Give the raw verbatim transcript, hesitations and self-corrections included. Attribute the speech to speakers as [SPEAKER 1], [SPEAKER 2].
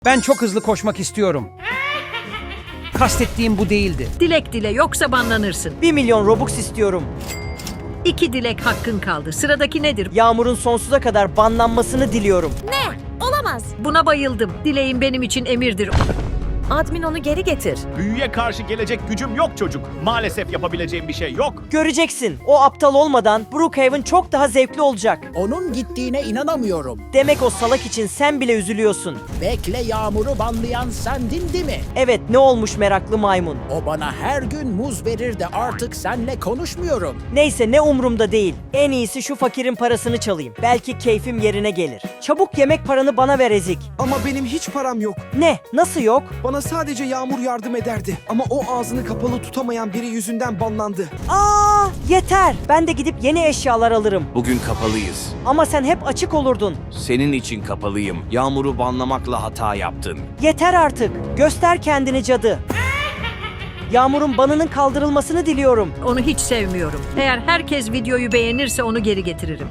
[SPEAKER 1] Ben çok hızlı koşmak istiyorum. Kastettiğim bu değildi.
[SPEAKER 2] Dilek dile yoksa banlanırsın.
[SPEAKER 3] Bir milyon Robux istiyorum.
[SPEAKER 2] İki dilek hakkın kaldı. Sıradaki nedir?
[SPEAKER 3] Yağmur'un sonsuza kadar banlanmasını diliyorum.
[SPEAKER 4] Ne? Olamaz.
[SPEAKER 2] Buna bayıldım. Dileğin benim için emirdir.
[SPEAKER 4] Admin onu geri getir.
[SPEAKER 5] Büyüye karşı gelecek gücüm yok çocuk. Maalesef yapabileceğim bir şey yok.
[SPEAKER 3] Göreceksin. O aptal olmadan Brookhaven çok daha zevkli olacak.
[SPEAKER 6] Onun gittiğine inanamıyorum.
[SPEAKER 3] Demek o salak için sen bile üzülüyorsun.
[SPEAKER 6] Bekle, Yağmur'u banlayan sendin değil mi?
[SPEAKER 3] Evet, ne olmuş meraklı maymun?
[SPEAKER 6] O bana her gün muz verir de artık senle konuşmuyorum.
[SPEAKER 3] Neyse, ne umurumda değil. En iyisi şu fakirin parasını çalayım. Belki keyfim yerine gelir. Çabuk yemek paranı bana ver ezik.
[SPEAKER 7] Ama benim hiç param yok.
[SPEAKER 3] Ne? Nasıl yok?
[SPEAKER 7] Bana sadece Yağmur yardım ederdi. Ama o ağzını kapalı tutamayan biri yüzünden banlandı.
[SPEAKER 3] Aa, yeter. Ben de gidip yeni eşyalar alırım.
[SPEAKER 8] Bugün kapalıyız.
[SPEAKER 3] Ama sen hep açık olurdun.
[SPEAKER 8] Senin için kapalıyım. Yağmur'u banlamakla hata yaptın.
[SPEAKER 3] Yeter artık. Göster kendini cadı. Yağmur'un banının kaldırılmasını diliyorum.
[SPEAKER 2] Onu hiç sevmiyorum. Eğer herkes videoyu beğenirse onu geri getiririm.